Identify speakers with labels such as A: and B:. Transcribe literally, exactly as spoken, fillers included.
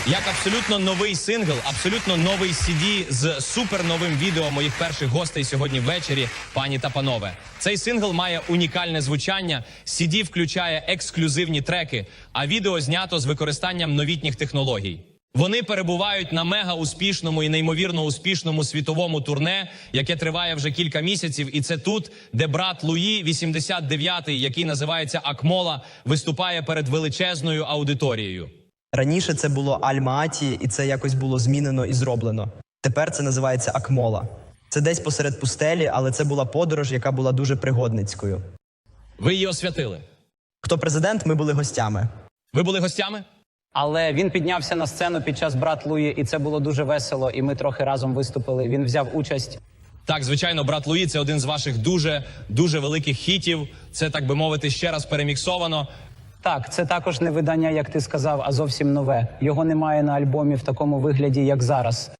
A: Як абсолютно новий сингл, абсолютно новий сі ді з суперновим відео моїх перших гостей сьогодні ввечері, пані та панове. Цей сингл має унікальне звучання, сі ді включає ексклюзивні треки, а відео знято з використанням новітніх технологій. Вони перебувають на мега-успішному і неймовірно успішному світовому турне, яке триває вже кілька місяців, і це тут, де брат Луї, вісімдесят дев'ятий, який називається Акмола, виступає перед величезною аудиторією.
B: Раніше це було Аль-Мааті, і це якось було змінено і зроблено. Тепер це називається Акмола. Це десь посеред пустелі, але це була подорож, яка була дуже пригодницькою.
A: Ви її освятили.
B: Хто президент, ми були гостями.
A: Ви були гостями?
C: Але він піднявся на сцену під час «Брат Луї», і це було дуже весело, і ми трохи разом виступили. Він взяв участь.
A: Так, звичайно, брат Луї – це один з ваших дуже, дуже великих хітів. Це, так би мовити, ще раз переміксовано.
C: Так, це також не видання, як ти сказав, а зовсім нове. Його немає на альбомі в такому вигляді, як зараз.